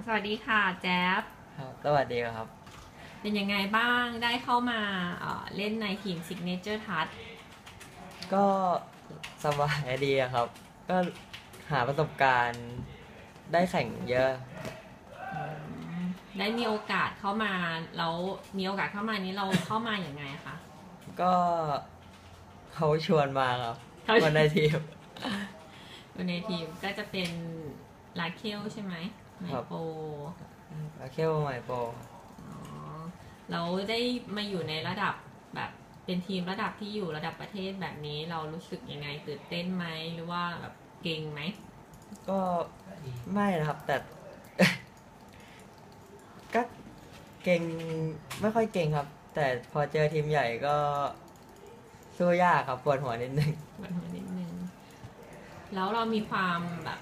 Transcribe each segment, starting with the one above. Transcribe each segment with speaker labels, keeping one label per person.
Speaker 1: สวัสดีค่ะแจ๊บ
Speaker 2: ครับสวัสดีครับ
Speaker 1: เป็นยังไงบ้างได้เข้ามาเล่นในทีม Signature Touch
Speaker 2: ก็สบายดีครับก็หาประสบการณ์ได้แข่งเยอะ
Speaker 1: ได้มีโอกาสเข้ามาแล้วมีโอกาสเข้ามานี้เราเข้ามาอย่างไงคะ
Speaker 2: ก็เขาชวนมาครับคนในทีม
Speaker 1: คนในทีมก็จะเป็นลาเคลใช่ไหมไมโป
Speaker 2: เคียวไมโป
Speaker 1: เราได้มาอยู่ในระดับแบบเป็นทีมระดับที่อยู่ระดับประเทศแบบนี้เรารู้สึกยังไงตื่นเต้นไหมหรือว่าแบบเก่งไหม
Speaker 2: ก็ไม่นะครับแต่ ก็เก่งไม่ค่อยเก่งครับ แต่พอเจอทีมใหญ่ก็สู้ยากครับปวดหัวนิดนึง
Speaker 1: แล้วเรามีความแบบ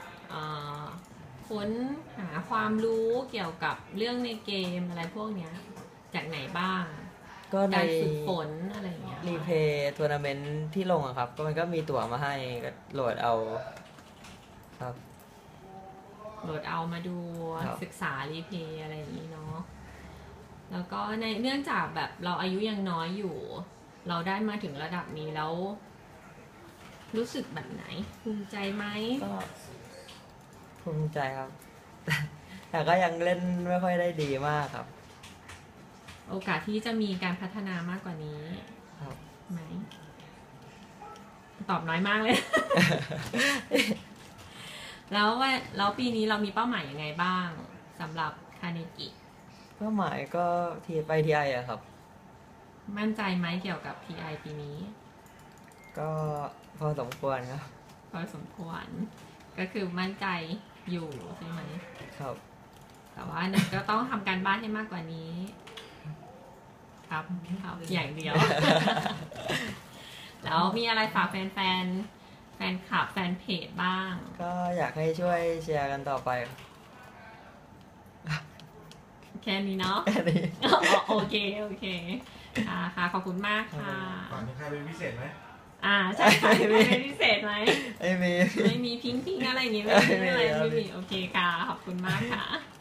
Speaker 1: ค้นหาความรู้เกี่ยวกับเรื่องในเกมอะไรพวกเนี้ยจากไหนบ้าง
Speaker 2: ก็ใน
Speaker 1: การฝึกฝนอะไรเงี้ย
Speaker 2: รีเพย์ทัวร์นาเมนต์ที่ลงอะครับก็มันก็มีตั๋วมาให้ก็โหลดเอาครับ
Speaker 1: โหลดเอามาดูศึกษารีเพย์อะไรอย่างนี้เนาะแล้วก็ในเนื่องจากแบบเราอายุยังน้อยอยู่เราได้มาถึงระดับนี้แล้วรู้สึกแบบไหนภูมิใจไหม
Speaker 2: ก็ภูมิใจครับ แต่ก็ยังเล่นไม่ค่อยได้ดีมากครับ
Speaker 1: โอกาสที่จะมีการพัฒนามากกว่านี้ไหมตอบน้อยมากเลย แล้วปีนี้เรามีเป้าหมายยังไงบ้างสำหรับคาเนกิ
Speaker 2: เป้าหมายก็ไปทีไออะครับ
Speaker 1: มั่นใจไหมเกี่ยวกับ TI ปีนี้
Speaker 2: ก็พอสมควรครับ
Speaker 1: พอสมควรก็คือมั่นใจอยู่ใช่ไหม
Speaker 2: ครับ
Speaker 1: แต่ว่าก็ต้องทำการบ้านให้มากกว่านี้ครับอย่างเดียว แล้วมีอะไรฝากแฟนคลับแฟนเพจบ้าง
Speaker 2: ก็อยากให้ช่วยแชร์กันต่อไป
Speaker 1: แค่นี้เนาะโอเคค่ะขอบคุณมากค่ะ
Speaker 3: ก่อนมีใครเป็นพิเศษไหม
Speaker 1: ใช่ค่ะเป็นพิเศษไหม
Speaker 2: ไม่มี
Speaker 1: พิงอะไรอย่างงี้ไม่มีโอเคค่ะขอบคุณมากค่ะ